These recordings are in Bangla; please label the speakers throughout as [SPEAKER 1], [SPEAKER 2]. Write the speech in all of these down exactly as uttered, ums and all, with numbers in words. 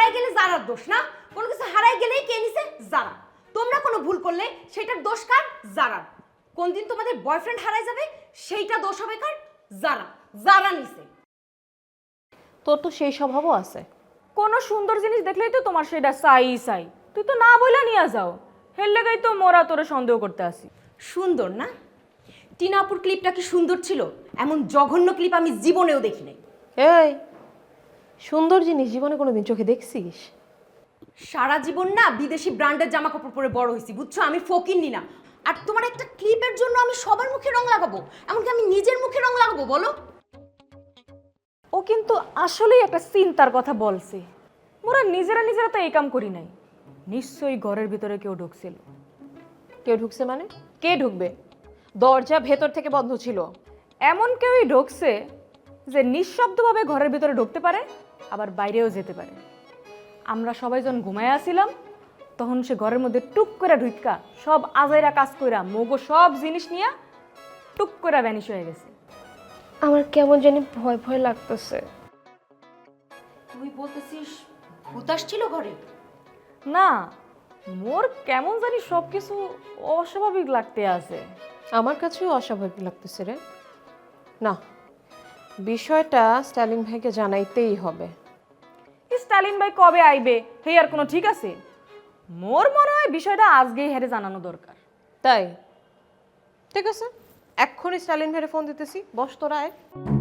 [SPEAKER 1] হারাই গেলে যারার দোষ না, কোনো কিছু হারাই গেলেই কে নিছে? যারা। তোমরা কোনো ভুল করলে সেটার দোষ কার? যারা। কোন দিন তোমাদের বয়ফ্রেন্ড হারাই যাবে সেইটা দোষ হবে কার? যারা। যারা নিছে।
[SPEAKER 2] তোর তো সেই স্বভাবও আছে।
[SPEAKER 3] কোনো সুন্দর জিনিস দেখলেই তো তোমার সেটা চাই চাই, তুই তো না বইলা নিয়ে যাও, হের লেগাই তো মোরা তোরে সন্দেহ করতে আসি।
[SPEAKER 1] সুন্দর না? টিনাপুর ক্লিপটা কি সুন্দর ছিল? এমন জঘন্য ক্লিপ আমি জীবনেও দেখি নাই।
[SPEAKER 2] এই সুন্দর জিনিস জীবনে কোনোদিন চোখে দেখছিস?
[SPEAKER 1] সারা জীবন না বিদেশি ব্র্যান্ডের জামা কাপড় পরে বড় হয়েছি, বুঝছো? আমি ফকিন্নি না। আর তোমার একটা ক্লিপের জন্য আমি সবার মুখে রং লাগাবো? এমনকি আমি নিজের মুখে রং লাগাবো বলো?
[SPEAKER 3] ও কিন্তু আসলেই একটা চিন্তার কথা বলছে। মোরা নিজেরা নিজেরা তো এই কাম করি নাই, নিশ্চয়ই ঘরের ভিতরে কেউ ঢুকছিল।
[SPEAKER 2] কেউ ঢুকছে মানে? কে ঢুকবে? দরজা ভেতর থেকে বন্ধ ছিল।
[SPEAKER 3] এমন কেউই ঢুকছে যে নিঃশব্দভাবে ঘরের ভিতরে ঢুকতে পারে, আবার বাইরেও যেতে পারে। আমরা সবাই যখন ঘুমায় আসছিলাম তখন সে ঘরের মধ্যে টুক করে ঢুকা সব আজাইরা কাজ কইরা মগো সব জিনিস নিয়ে টুক করে ভ্যানিশ হয়ে গেছে।
[SPEAKER 2] আমার কেমন জানি ভয় ভয় লাগতেছে।
[SPEAKER 1] তুই বলতেছিস ভূত আসছিল ঘরে?
[SPEAKER 3] না, মোর কেমন জানি সব কিছু অস্বাভাবিক লাগতে আছে।
[SPEAKER 2] আমার কাছেও অস্বাভাবিক লাগতেছে রে। না, বিষয়টা স্টালিন ভাইকে জানাইতেই হবে।
[SPEAKER 3] স্টালিন ভাই কবে আইবে হে আর কোনো ঠিক আছে? মোর মনে হয় বিষয়টা আজকেই হেরে জানানো দরকার।
[SPEAKER 2] তাই ঠিক আছে, এক্ষুনি স্টালিন ভাইয়ের ফোন দিতেছি। বস তোরা আয়।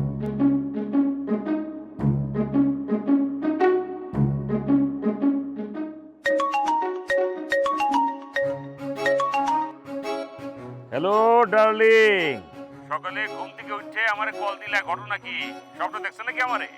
[SPEAKER 4] হ্যালো ডার্লিং, সকালে ঘুম থেকে উঠে আমারে কল দিলা, ঘটনা কি? স্বপ্ন দেখছো নাকি আমারে?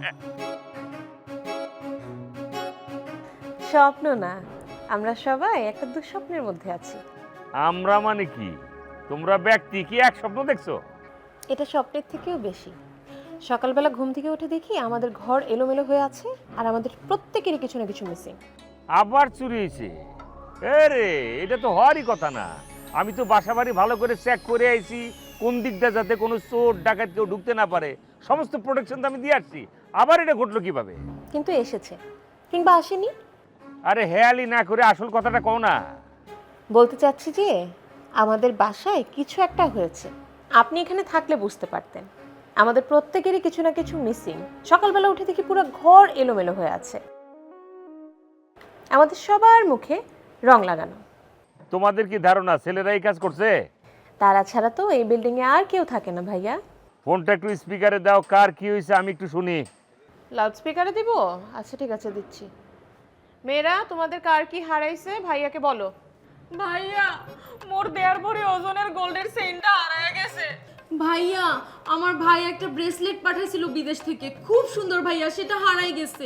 [SPEAKER 2] স্বপ্ন না, আমরা সবাই একটা দুঃস্বপ্নের মধ্যে আছি।
[SPEAKER 4] আমরা মানে কি? তোমরা ব্যক্তি কি এক স্বপ্ন দেখছো?
[SPEAKER 2] এটা স্বপ্নের থেকেও বেশি। সকালবেলা ঘুম থেকে উঠে দেখি আমাদের ঘর এলোমেলো হয়ে আছে, আর আমাদের প্রত্যেকেরই কিছু না কিছু মিসিং।
[SPEAKER 4] আবার চুরি হয়েছে? আরে এটা তো হওয়ারই কথা না। আমি তো বাসা বাড়ি ভালো করে চেক করে আইছি, কোন দিকটা যাতে কোনো চোর ডাকাত কেউ ঢুকতে না পারে, সমস্ত প্রোটেকশন তো আমি দিয়ে আসছি। আবার এটা ঘটলো কিভাবে?
[SPEAKER 2] কিন্তু এসেছে কিংবা আসেনি।
[SPEAKER 4] আরে হেয়ালি না করে আসল কথাটা কও না।
[SPEAKER 2] বলতে চাচ্ছি যে আমাদের বাসায় কিছু একটা হয়েছে। আপনি এখানে থাকলে বুঝতে পারতেন। আমাদের প্রত্যেকেরই কিছু না কিছু মিসিং। সকালবেলা উঠে দেখি পুরো ঘর এলোমেলো হয়ে আছে, আমাদের সবার মুখে রং লাগানো।
[SPEAKER 4] তোমাদের কি ধারণা ছেলেরা এই কাজ করছে?
[SPEAKER 2] তারা ছাড়া তো এই বিল্ডিং এ আর কেউ থাকে না ভাইয়া।
[SPEAKER 4] ফোনটা একটু স্পিকারে দাও, কার কি হয়েছে আমি একটু শুনি।
[SPEAKER 2] লাউড স্পিকারে দিব? আচ্ছা ঠিক আছে, দিচ্ছি। মেয়েরা, তোমাদের কার কি হারাইছে ভাইয়াকে বলো।
[SPEAKER 3] ভাইয়া, মোর দেড় ভরি ওজনের গোল্ডের চেইনটা হারায় গেছে।
[SPEAKER 5] ভাইয়া, আমার ভাই একটা ব্রেসলেট পাঠাইছিল বিদেশ থেকে, খুব সুন্দর ভাইয়া, সেটা হারাই গেছে।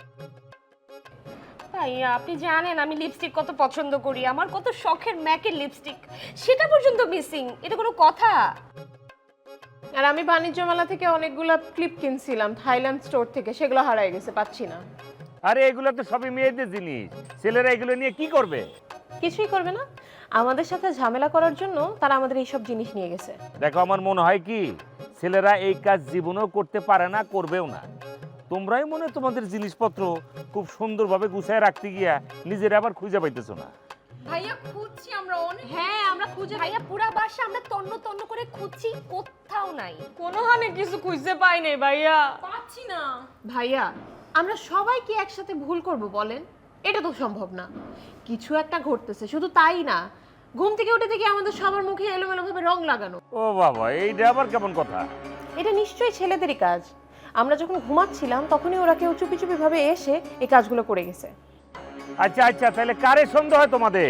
[SPEAKER 6] ভাইয়া আপনি জানেন আমি লিপস্টিক কত পছন্দ করি, আমার কত শখের ম্যাকের লিপস্টিক, সেটা পর্যন্ত মিসিং। এটা কোনো কথা?
[SPEAKER 2] আর আমি বাণিজ্য মেলা থেকে অনেকগুলো ক্লিপ কিনছিলাম থাইল্যান্ড স্টোর থেকে, সেগুলো হারাই গেছে, পাচ্ছি না।
[SPEAKER 4] আরে এগুলো তো সবই মেয়েদের জিনিস, ছেলেরা এগুলো নিয়ে কি করবে?
[SPEAKER 2] কিছুই করবে না, আমাদের সাথে ঝামেলা করার জন্য তারা আমাদের এইসব জিনিস নিয়ে গেছে।
[SPEAKER 4] দেখো আমার মনে হয় কি, ছেলেরা এই কাজ জীবনেও করতে পারে না, করবেও না। তোমরাই মনে হয় তোমাদের জিনিসপত্র খুব সুন্দরভাবে গুছায় রাখতে গিয়া নিজেরা আবার খুঁজে পাইতেছো না।
[SPEAKER 5] ভাইয়া খুঁজছি আমরা অনেক।
[SPEAKER 6] হ্যাঁ আমরা খুঁজে, ভাইয়া পুরা বাসা আমরা তন্ন তন্ন করে খুঁজছি, কোথাও নাই।
[SPEAKER 3] কোনো হানে কিছু খুঁজতে পাই নাই ভাইয়া,
[SPEAKER 5] পাচ্ছি না।
[SPEAKER 2] ভাইয়া, আমরা সবাই কি একসাথে ভুল করব বলেন? এটা তো সম্ভব না। কিছু একটা ঘটতেছে, শুধু তাই না, ঘুম থেকে উঠে দেখি আমাদের সবার মুখে এলোমেলো ভাবে রং লাগানো।
[SPEAKER 4] ও বাবা, এইটা আবার কেমন কথা?
[SPEAKER 2] এটা নিশ্চয়ই ছেলেদেরই কাজ। আমরা যখন ঘুমাচ্ছিলাম তখনই ওরা কেউ চুপি চুপি ভাবে এসে এই কাজগুলো করে গেছে।
[SPEAKER 4] আচ্ছা আচ্ছা, তাহলে কারে সন্দেহ হয় তোমাদের?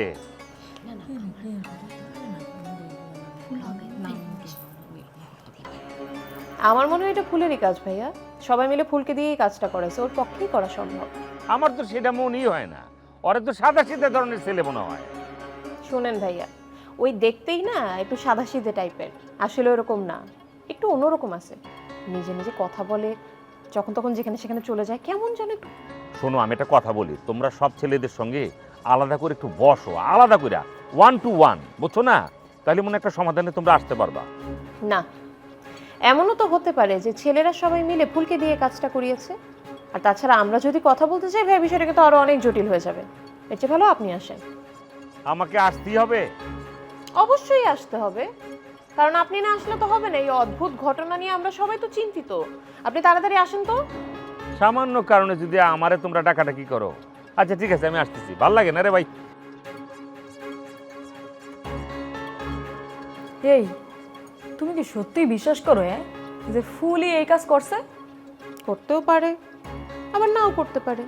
[SPEAKER 2] আমার মনে হয় এটা ফুলেরই কাজ ভাইয়া। সবাই মিলে ফুলকে দিয়ে এই কাজটা করেছে, ওর পক্ষেই করা সম্ভব।
[SPEAKER 4] আমার তো সেটা মনেই হয় না, ওরা তো সাদা সিধা ধরনের ছেলে মনে হয়।
[SPEAKER 2] শোনেন ভাইয়া, ওই দেখতেই না একটু সাদাসিধে টাইপের, আসলে ওরকম না, একটু অন্যরকম আছে। নিজে নিজে কথা বলে, যখন তখন যেখানে সেখানে চলে যায়, কেমন যেন একটু।
[SPEAKER 4] শোনো, আমি একটা কথা বলি, তোমরা সব ছেলেদের সঙ্গে আলাদা করে একটু বসো, আলাদা করে ওয়ান টু ওয়ান, বুঝছো না? তাহলে মনে একটা সমাধানে তোমরা আসতে পারবা।
[SPEAKER 2] না, এমনও তো হতে পারে যে ছেলেরা সবাই মিলে ফুলকে দিয়ে কাজটা করিয়েছে। আর তাছাড়া আমরা যদি কথা বলতে চাই ভাই বিষয়টা কিন্তু আরো অনেক জটিল হয়ে যাবে। এর চেয়ে ভালো আপনি আসেন।
[SPEAKER 4] আমাকে আসতেই হবে?
[SPEAKER 2] অবশ্যই আসতে হবে, কারণ আপনি না আসলে তো হবে না। এই অদ্ভুত ঘটনা নিয়ে আমরা সবাই তো চিন্তিত। আপনি তাড়াতাড়ি আসেন তো।
[SPEAKER 4] সামান্য কারণে যদি আমারে তোমরা ডাকাডাকি করো। আচ্ছা ঠিক আছে, আমি আসতেছি। ভাল লাগে না রে ভাই।
[SPEAKER 3] এই তুমি কি সত্যিই বিশ্বাস করো হ্যাঁ যে ফুলই এই কাজ করছে?
[SPEAKER 2] করতেও পারে, আবার নাও করতে পারে,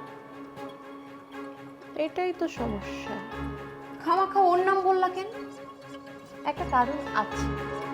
[SPEAKER 2] এটাই তো সমস্যা।
[SPEAKER 1] খামাখা ওর নাম বললা কেন?
[SPEAKER 2] একটা কারণ আছে।